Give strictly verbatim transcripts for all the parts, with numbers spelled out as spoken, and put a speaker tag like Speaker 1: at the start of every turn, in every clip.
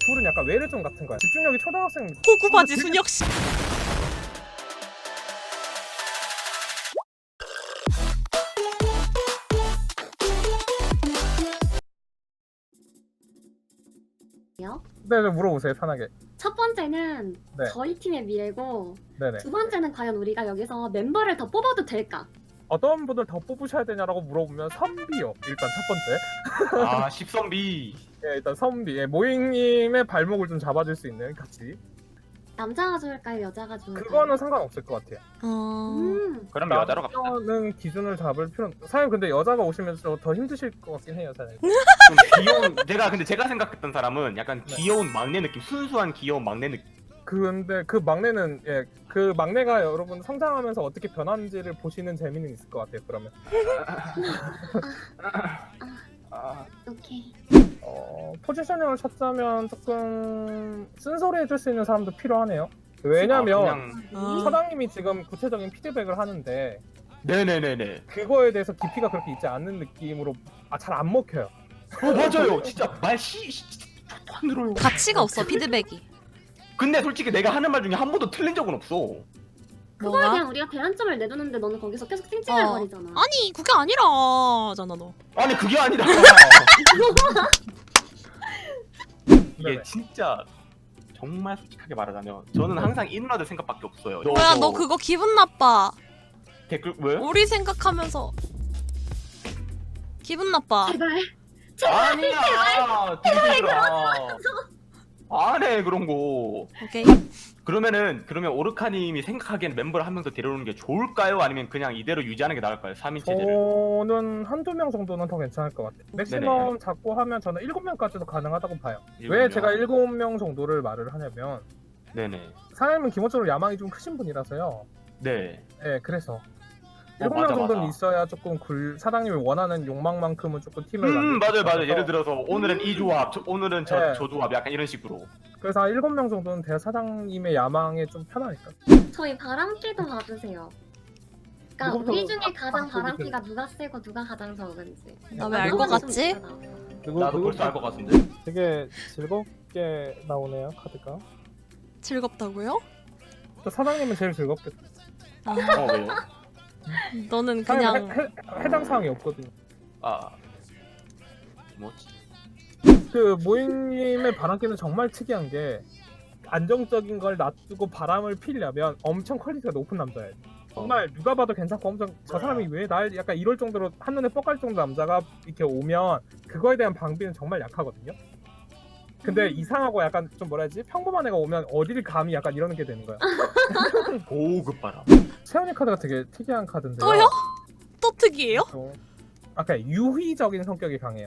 Speaker 1: 둘은 약간 외래종 같은 거야. 집중력이 초등학생.
Speaker 2: 호구바지 순혁 씨.
Speaker 1: 네, 좀 물어보세요 편하게.
Speaker 3: 첫 번째는
Speaker 1: 네.
Speaker 3: 저희 팀의 미래고
Speaker 1: 네네.
Speaker 3: 두 번째는 과연 우리가 여기서 멤버를 더 뽑아도 될까?
Speaker 1: 어떤 분들 더 뽑으셔야 되냐라고 물어보면 선비요. 일단 첫 번째.
Speaker 4: 아 십선비.
Speaker 1: 예, 일단 선비. 예, 모잉님의 발목을 좀 잡아줄 수 있는 같이.
Speaker 3: 남자가 좋을까요? 여자가 좋을까요?
Speaker 1: 그거는 상관없을 것 같아요.
Speaker 2: 어.
Speaker 3: 음.
Speaker 4: 그럼 여자로 갑시다.
Speaker 1: 남자는 기준을 잡을 필요는. 사실 근데 여자가 오시면 좀 더 힘드실 것 같긴 해요, 사실.
Speaker 4: 좀 귀여운. 제가 근데 제가 생각했던 사람은 약간
Speaker 1: 네.
Speaker 4: 귀여운 막내 느낌, 순수한 귀여운 막내 느낌.
Speaker 1: 근데 그 막내는 예, 그 막내가 여러분 성장하면서 어떻게 변하는지를 보시는 재미는 있을 것 같아요. 그러면
Speaker 4: 아,
Speaker 3: 오케이.
Speaker 1: 어, 포지셔닝을 찾자면 조금 쓴소리 해줄 수 있는 사람도 필요하네요. 왜냐면
Speaker 4: 아, 그냥...
Speaker 2: 어.
Speaker 1: 사장님이 지금 구체적인 피드백을 하는데
Speaker 4: 네네네네.
Speaker 1: 그거에 대해서 깊이가 그렇게 있지 않는 느낌으로 아, 잘 안 먹혀요.
Speaker 4: 어 맞아요. 진짜 말씨 안 들어요.
Speaker 2: 가치가 없어 피드백이.
Speaker 4: 근데 솔직히 내가 하는 말 중에 한 번도 틀린 적은 없어.
Speaker 3: 그거에
Speaker 2: 뭐가?
Speaker 3: 대한 우리가 대안점을 내두는데 너는 거기서 계속 찡찡거리잖아.
Speaker 2: 아니 그게 아니라잖아 너.
Speaker 4: 아니 그게 아니라 이게
Speaker 1: 네네.
Speaker 4: 진짜 정말 솔직하게 말하자면 저는 항상 이 누나들 생각밖에 없어요.
Speaker 2: 뭐야 너 그거 기분 나빠.
Speaker 4: 댓글 왜?
Speaker 2: 우리 생각하면서 기분 나빠.
Speaker 3: 제발.
Speaker 4: 아니야. 들들아. 안해 그런 거.
Speaker 2: 오케이.
Speaker 4: 그러면은 그러면 오르카님이 생각하기엔 멤버를 한 명 더 데려오는 게 좋을까요? 아니면 그냥 이대로 유지하는 게 나을까요? 삼 인 체제를.
Speaker 1: 저는 한두 명 정도는 더 괜찮을 것 같아요. 맥시멈 잡고 하면 저는 일곱 명까지도 가능하다고 봐요.
Speaker 4: 일곱
Speaker 1: 왜
Speaker 4: 명.
Speaker 1: 제가 일곱 명 정도를 말을 하냐면
Speaker 4: 네네.
Speaker 1: 사장님은 기본적으로 야망이 좀 크신 분이라서요.
Speaker 4: 네.
Speaker 1: 네, 그래서
Speaker 4: 어,
Speaker 1: 일곱 명
Speaker 4: 맞아,
Speaker 1: 정도는
Speaker 4: 맞아.
Speaker 1: 있어야 조금 굴 사장님이 원하는 욕망만큼은 조금 팀을
Speaker 4: 음
Speaker 1: 만들 수
Speaker 4: 맞아요 맞아요.
Speaker 1: 있어서.
Speaker 4: 예를 들어서 오늘은 이 조합, 저, 오늘은 저,
Speaker 1: 네.
Speaker 4: 저 조합 약간 이런 식으로.
Speaker 1: 그래서 한 일곱 명 정도는 대 사장님의 야망에 좀 편하니까.
Speaker 3: 저희 바람기도 봐주세요. 그러니까
Speaker 1: 누구부터
Speaker 3: 우리 중에
Speaker 1: 바-
Speaker 3: 가장
Speaker 1: 바람기
Speaker 3: 바람기가 누가 세고 누가 가장 적은지.
Speaker 2: 나 왜 알 것 같지?
Speaker 4: 나도 벌써 알 것 같은데.
Speaker 1: 되게 즐겁게 나오네요 카드가.
Speaker 2: 즐겁다고요?
Speaker 1: 또 사장님은 제일 즐겁겠다.
Speaker 2: 아,
Speaker 4: 어 왜요?
Speaker 2: 너는
Speaker 1: 사장님
Speaker 2: 그냥
Speaker 1: 해, 해, 해당 사항이 없거든요.
Speaker 4: 아 뭐지?
Speaker 1: 그 모잉님의 바람기는 정말 특이한 게 안정적인 걸 놔두고 바람을 피려면 엄청 퀄리티가 높은 남자예요. 정말 누가 봐도 괜찮고 엄청 저 사람이 왜 날 약간 이럴 정도로 한눈에 뻑갈 정도 남자가 이렇게 오면 그거에 대한 방비는 정말 약하거든요. 근데
Speaker 3: 음.
Speaker 1: 이상하고 약간 좀 뭐라 해야지 평범한 애가 오면 어디를 감히 약간 이러는 게 되는 거야.
Speaker 4: 고급 바람.
Speaker 1: 세연이 카드가 되게 특이한 카드인데요.
Speaker 2: 또요? 또 특이해요?
Speaker 1: 어, 아까 유희적인 성격이 강해요.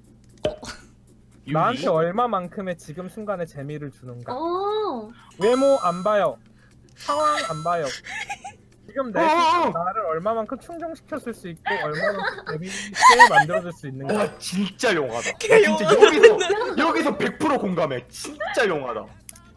Speaker 4: 유리?
Speaker 1: 나한테 얼마만큼의 지금 순간에 재미를 주는가.
Speaker 3: 어.
Speaker 1: 외모 안 봐요. 상황 안 봐요. 지금 내
Speaker 4: 어어어!
Speaker 1: 나를 얼마만큼 충족시켰을 수 있고 얼마만큼 재미있게 만들어줄 수 있는가.
Speaker 4: 와 진짜 용하다. 나
Speaker 2: 개
Speaker 4: 진짜 여기서 여기서 백 퍼센트 공감해. 진짜 용하다.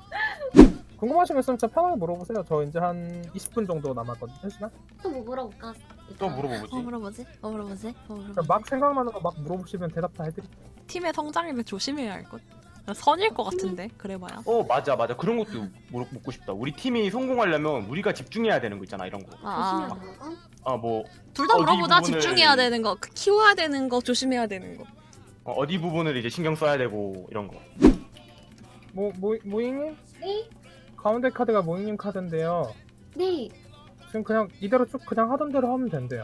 Speaker 1: 궁금하신 거 있으면 진짜 편하게 물어보세요. 저 이제 한 이십 분 정도 남았거든요. 한 시간?
Speaker 3: 또 뭐 물어볼까?
Speaker 4: 또 물어보지.
Speaker 2: 어 물어보지? 어 물어보지? 어 물어보지?
Speaker 1: 그냥 막 생각나는 거 막 물어보시면 대답 다 해드릴게요.
Speaker 2: 팀의 성장이면 조심해야 할 것. 선일 것 같은데 그래봐야.
Speaker 4: 어 맞아 맞아 그런 것도 물- 묻고 싶다. 우리 팀이 성공하려면 우리가 집중해야 되는 거 있잖아 이런 거.
Speaker 2: 아,
Speaker 3: 조심해야 되는 거?
Speaker 4: 아 뭐
Speaker 2: 둘 다
Speaker 4: 어디
Speaker 2: 물어보자.
Speaker 4: 부분을-
Speaker 2: 집중해야 되는 거, 그 키워야 되는 거, 조심해야 되는 거.
Speaker 4: 어, 어디 부분을 이제 신경 써야 되고 이런 거.
Speaker 1: 모, 모, 모잉님?
Speaker 3: 네.
Speaker 1: 가운데 카드가 모잉님 카드인데요.
Speaker 3: 네.
Speaker 1: 지금 그냥 이대로 쭉 그냥 하던 대로 하면 된대요.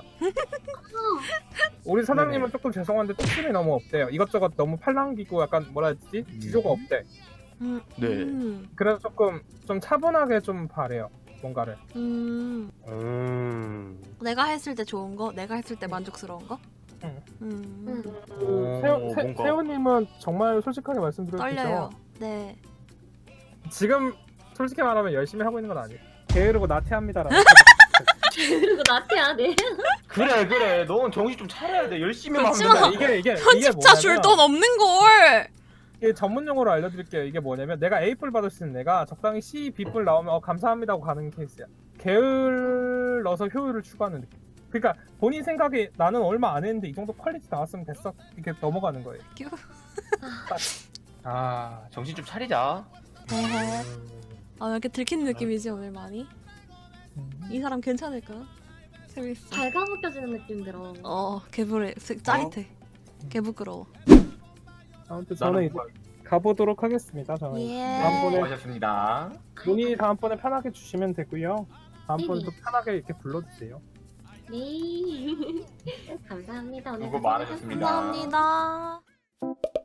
Speaker 1: 우리 사장님은
Speaker 4: 네네.
Speaker 1: 조금 죄송한데 뚝심이 너무 없대요. 이것저것 너무 팔랑기고 약간 뭐라 했지? 지조가 없대.
Speaker 2: 음,
Speaker 4: 네.
Speaker 2: 음,
Speaker 1: 그래서 조금 좀 차분하게 좀 바래요. 뭔가를.
Speaker 2: 음.
Speaker 4: 음.
Speaker 2: 내가 했을 때 좋은 거, 내가 했을 때 만족스러운 거.
Speaker 1: 응.
Speaker 2: 음.
Speaker 3: 응.
Speaker 1: 그
Speaker 4: 어,
Speaker 1: 세호, 세,
Speaker 4: 뭔가.
Speaker 1: 세호님은 정말 솔직하게 말씀드려도
Speaker 2: 떨려요.
Speaker 1: 되죠?
Speaker 2: 네.
Speaker 1: 지금 솔직히 말하면 열심히 하고 있는 건 아니에요. 게으르고 나태합니다라는.
Speaker 3: 그리고 나태야, 네.
Speaker 4: 그래 그래 넌 정신 좀 차려야 돼. 열심히만 하면
Speaker 2: 그렇지만
Speaker 4: 돼.
Speaker 1: 이게 이게 이게
Speaker 2: 편집자 줄 돈 없는 걸.
Speaker 1: 이게 전문 용어로 알려드릴게요. 이게 뭐냐면 내가 A뿔 받을 수 있는 애가 적당히 C, B뿔 나오면 어, 감사합니다 하고 가는 케이스야. 게을러서 효율을 추구하는 느낌. 그러니까 본인 생각에 나는 얼마 안 했는데 이 정도 퀄리티 나왔으면 됐어 이렇게 넘어가는 거예요.
Speaker 2: 휴.
Speaker 4: 아 정신 좀 차리자.
Speaker 2: 헤헤. 아 이렇게 들킨 느낌이지 오늘 많이. 이 사람 괜찮을까? 재밌어.
Speaker 3: 발가벗겨지는 느낌 들어.
Speaker 2: 어 개불해. 짜릿해. 개부끄러워.
Speaker 1: 아무튼 저는 이제 가보도록 하겠습니다. 저는
Speaker 2: 예.
Speaker 1: 다음번에
Speaker 4: 수고하셨습니다.
Speaker 1: 문의 다음번에 편하게 주시면 되고요. 다음번에도
Speaker 3: 네네.
Speaker 1: 편하게 이렇게 불러주세요.
Speaker 3: 네. 감사합니다. 오늘
Speaker 4: 수고
Speaker 3: 고생
Speaker 4: 많으셨습니다.
Speaker 2: 감사합니다.